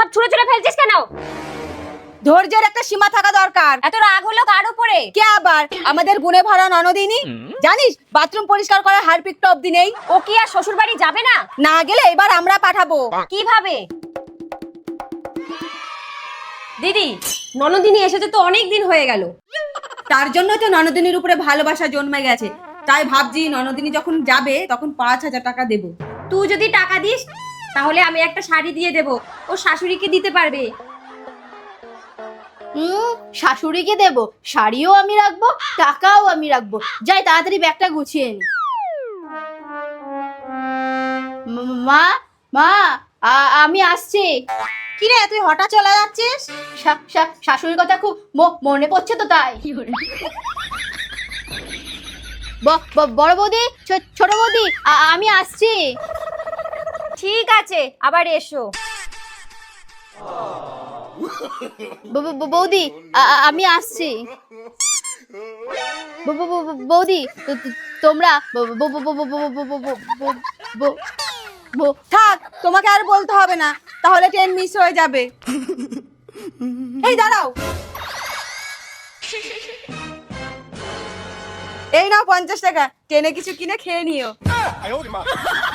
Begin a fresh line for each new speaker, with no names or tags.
সব ছুঁড়ে ছুঁড়ে ফেলছিস কেন?
ধৈর্যের একটা সীমা থাকা দরকার।
এত রাগ হলো কার উপরে?
কে আবার? আমাদের গুণে ভরা ননদিনী। জানিস বাথরুম পরিষ্কার করার হারপিকটা অবধি নেই।
ও কি আর শ্বশুর বাড়ি যাবে না?
না গেলে এবার আমরা পাঠাবো।
কিভাবে? দিদি, ননদিনী এসেছে তো অনেক দিন হয়ে গেল।
তার জন্য তো ননদিনীর উপরে ভালোবাসা জন্মে গেছে। তাই ভাবছি ননদিনী যখন যাবে তখন 5,000 টাকা দেব।
তুই যদি টাকা দিস তাহলে আমি একটা শাড়ি দিয়ে দেব, ও শাশুড়িকে দিতে পারবে।
শাশুড়িকে দেব, শাড়িও আমি রাখবো, টাকাও আমি রাখবো। যাই তাড়াতাড়ি ব্যাগটা গুছিয়ে নি। মা মা আমি আসছি।
কি রে তুই হঠাৎ চলে যাচ্ছিস?
শাশুড়ির কথা খুব মনে পড়ছে তো তাই। বড় বৌদি, ছোট বৌদি, আমি আসছি।
ঠিক আছে, আবার এসো।
বৌদি আমি আসছি। বৌদি তোমরা
থাক, তোমাকে আর বলতে হবে না, তাহলে ট্রেন মিস হয়ে যাবে। এই দাঁড়াও, এই নাও 50 টাকা, ট্রেনে কিছু কিনে খেয়ে নিও।